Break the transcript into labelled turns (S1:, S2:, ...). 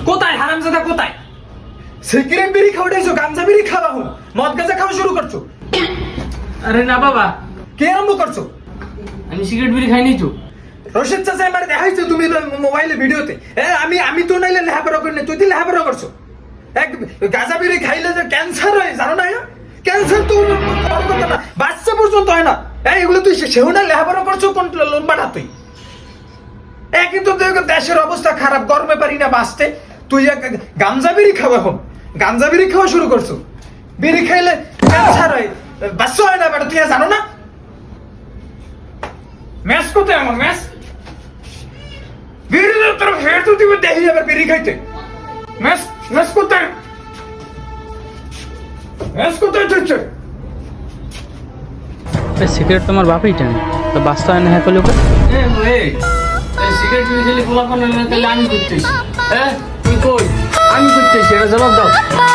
S1: কোথায় হারামজাদা কোথায়?
S2: সিগারেট বিড়ি খাওয়াইছো, গাঞ্জা বিড়ি খাওয়া হো, মদ গাঁজা খাওয়া শুরু করছো?
S1: আরে না বাবা,
S2: কে আরম্ভ করছো?
S1: আমি সিগারেট বিড়ি খাইনি তো।
S2: রশিদ চাচা আমার দেখাইছো তুমি মোবাইলে ভিডিওতে। আমি তো নাইলে লেহাপড়া করি না, তুই তো লেহাপড়া করছো। এক গাঁজা বিড়ি খাইলে যে ক্যান্সার হয় জানো না? ক্যান্সার তো বড় কথা না, বাচ্চা পর্যন্ত হয় না। এগুলো তুই সেও না লেহাপড়া করছো, কোন লম্বাটা তুই? একই তো দেশের অবস্থা খারাপ, গরমে পারি না বাঁচতে, তুই গাঞ্জা বিড়ি খাওয়া এখন, গাঞ্জা বিড়ি খাওয়া শুরু করছো। বিড়ি খাইলে ক্যান্সার হয়, বাচ্চা হয় না বেটা, তুই জানো না? ম্যাচ কোথায় আমার ম্যাচ? বিড়ি তোর ফের তো তুই দেখি যাবে বিড়ি খাইতে। ম্যাচ ম্যাচ কোথায়? ম্যাচ কোথায় চলছে?
S3: সিগারেট তোমার বাপই টানে, তো বাস্তা হয় না হ্যাঁ করলে
S1: সিগারেট বিড়ি খেলে খোলা পান তাহলে আমি করতেছি। তুই কই? আমি করতেছি, এটা জবাব দাও।